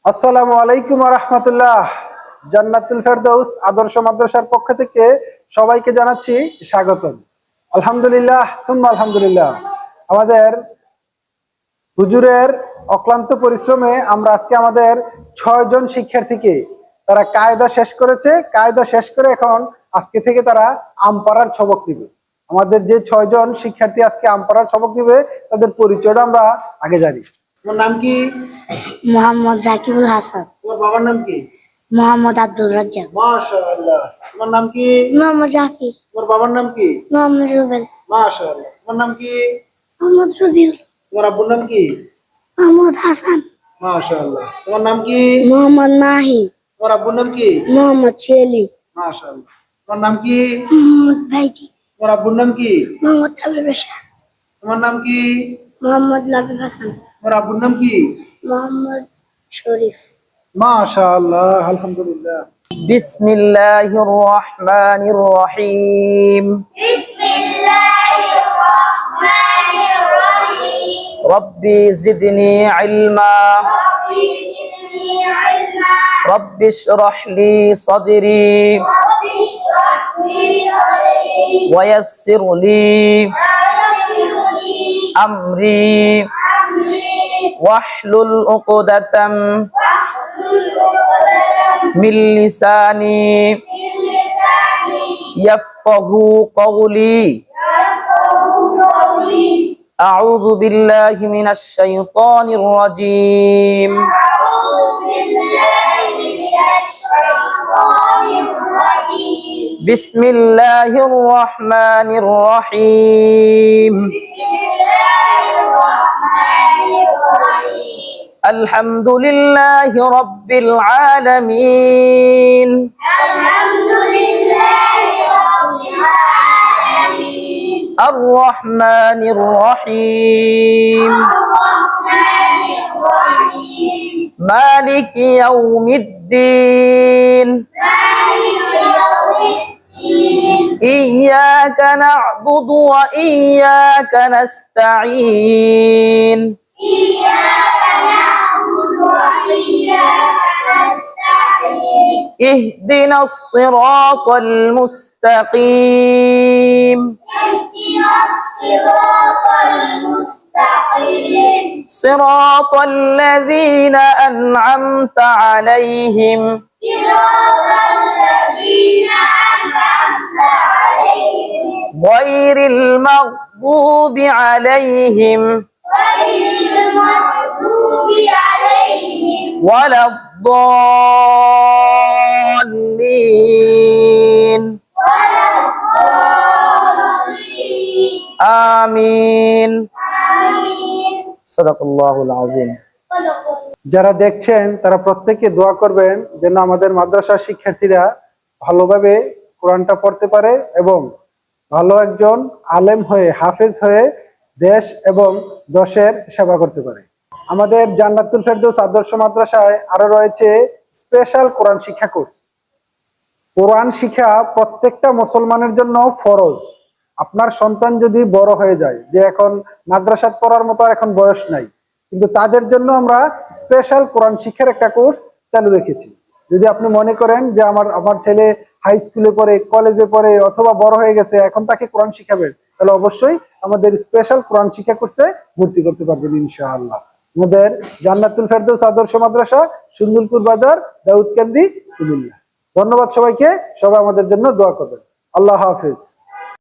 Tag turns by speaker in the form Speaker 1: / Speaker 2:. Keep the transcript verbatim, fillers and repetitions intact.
Speaker 1: আসসালামু আলাইকুম ওয়া রাহমাতুল্লাহ। জান্নাতুল ফেরদৌস আদর্শ মাদ্রাসার পক্ষ থেকে সবাইকে জানাচ্ছি স্বাগতম। আলহামদুলিল্লাহ সুম্মা আলহামদুলিল্লাহ। আমাদের হুজুরের অক্লান্ত পরিশ্রমে আমরা আজকে আমাদের ছয় জন শিক্ষার্থীকে তারা কায়দা শেষ করেছে। কায়দা শেষ করে এখন আজকে থেকে তারা আমপাড়ার সবক দিবে। আমাদের যে ছয় জন শিক্ষার্থী আজকে আমপাড়ার সবক দিবে তাদের পরিচয়টা আমরা আগে জানি। তোমার নাম কি?
Speaker 2: মোহাম্মদ রাকিবুল হাসান।
Speaker 1: তোমার বাবার নাম কি?
Speaker 2: মোহাম্মদ আব্দুল রাজ্জাক।
Speaker 1: মাশাআল্লাহ। তোমার নাম কি?
Speaker 2: মোহাম্মদ রাফি।
Speaker 1: তোমার বাবার নাম কি?
Speaker 2: মোহাম্মদ রুবেল।
Speaker 1: মাশাআল্লাহ। তোমার নাম কি?
Speaker 2: মোহাম্মদ রবিউল।
Speaker 1: তোমার আব্বুর নাম কি?
Speaker 2: মোহাম্মদ হাসান।
Speaker 1: মাশাআল্লাহ। তোমার নাম কি?
Speaker 2: মোহাম্মদ মাহি।
Speaker 1: তোমার আব্বুর নাম কি?
Speaker 2: মোহাম্মদ শেলি।
Speaker 1: মাশাআল্লাহ। তোমার নাম কি?
Speaker 2: মোহাম্মদ ভাইটি।
Speaker 1: তোমার আব্বুর নাম কি?
Speaker 2: মোহাম্মদ আবুল বাশার।
Speaker 1: তোমার নাম কি?
Speaker 2: মোহাম্মদ লাবিব হাসান।
Speaker 1: তোমার আব্বুর নাম কি?
Speaker 2: মোহাম্মদ শরীফ।
Speaker 1: মাশাআল্লাহ আলহামদুলিল্লাহ।
Speaker 3: বিসমিল্লাহির রহমানির রহিম।
Speaker 4: বিসমিল্লাহির রহমানির রহিম।
Speaker 3: রব্বি জিদনি ইলমা।
Speaker 4: রব্বি জিদনি ইলমা।
Speaker 3: রব্বি ইশরাহ লি সাদরি।
Speaker 4: রব্বি ইশরাহ লি সাদরি।
Speaker 3: ওয়া ইয়াসসির লি
Speaker 4: ওয়াসসির লি
Speaker 3: আমরি।
Speaker 4: আমরি।
Speaker 3: ওয়াহলুল উকদাতাম
Speaker 4: ওয়াহলুল উকদাতাম
Speaker 3: মিন লিসানি
Speaker 4: মিন লিসানি
Speaker 3: ইয়াফকাহু কওলি।
Speaker 4: ইয়াফকাহু কওলি।
Speaker 3: আউযু বিল্লাহি মিনাশ শাইতানির রাজীম।
Speaker 4: আউযু বিল্লাহি মিনাশ শাইতানির রাজীম।
Speaker 3: বিসমিল্লাহির রহমানির রহিম।
Speaker 4: বিসমিল্লাহির রহমানির রহিম।
Speaker 3: আলহামদুলিল্লাহি রাব্বিল আলামিন।
Speaker 4: আলহামদুলিল্লাহি রাব্বিল আলামিন।
Speaker 3: আর রহমানির রহিম।
Speaker 4: আর-রাহমানির রহিম।
Speaker 3: মালিকি ইয়াউমিদ্দিন।
Speaker 4: মালিকি ইয়াউমিদ্দিন।
Speaker 3: ইয়্যাকা না'বুদু ওয়া ইয়্যাকা নাস্তাঈন।
Speaker 4: ইyyaka na'budu wa iyyaka nasta'in.
Speaker 3: ইহদিনাস সিরাতাল মুস্তাকিম।
Speaker 4: ihdinas siratal mustaqim.
Speaker 3: সিরাতাল লাযীনা আন'আমতা আলাইহিম
Speaker 4: siratal ladzina an'amta 'alaihim
Speaker 3: গায়রিল মাগদুবি আলাইহিম
Speaker 4: ghayril maghdubi 'alaihim
Speaker 3: ওয়ালাদ-দাল্লিন।
Speaker 4: waladdallin.
Speaker 3: আমিন।
Speaker 4: Amin.
Speaker 3: সাদাকাল্লাহুল আযীম।
Speaker 1: যারা দেখছেন তারা প্রত্যেকে দোয়া করবেন যেন আমাদের মাদ্রাসার শিক্ষার্থীরা ভালোভাবে কোরআনটা পড়তে পারে এবং ভালো একজন আলেম হয়ে হাফেজ হয়ে দেশ এবং দশের সেবা করতে পারে। আমাদের জান্নাতুল ফেরদৌস আদর্শ মাদ্রাসায় আরো রয়েছে স্পেশাল কোরআন শিক্ষা কোর্স। কোরআন শিক্ষা প্রত্যেকটা মুসলমানের জন্য ফরজ। আপনার সন্তান যদি বড় হয়ে যায়, যে এখন মাদ্রাসাত পড়ার মতো আর এখন বয়স নাই, কিন্তু তাদের জন্য আমরা স্পেশাল কোরআন শিক্ষার একটা কোর্স চালু রেখেছি। যদি আপনি মনে করেন যে আমার আমার ছেলে হাই স্কুলে পড়ে, কলেজে পড়ে অথবা বড় হয়ে গেছে, এখন তাকে কোরআন শিখাবেন, তাহলে অবশ্যই আমাদের স্পেশাল কোরআন শিক্ষা কোর্সে ভর্তি করতে পারবেন ইনশাআল্লাহ। আমাদের জান্নাতুল ফেরদৌস আদর্শ মাদ্রাসা, সুন্দরপুর বাজার, দাউদকান্দি, কুমিল্লা। ধন্যবাদ সবাইকে। সবাই আমাদের জন্য দোয়া করবেন। আল্লাহ হাফেজ।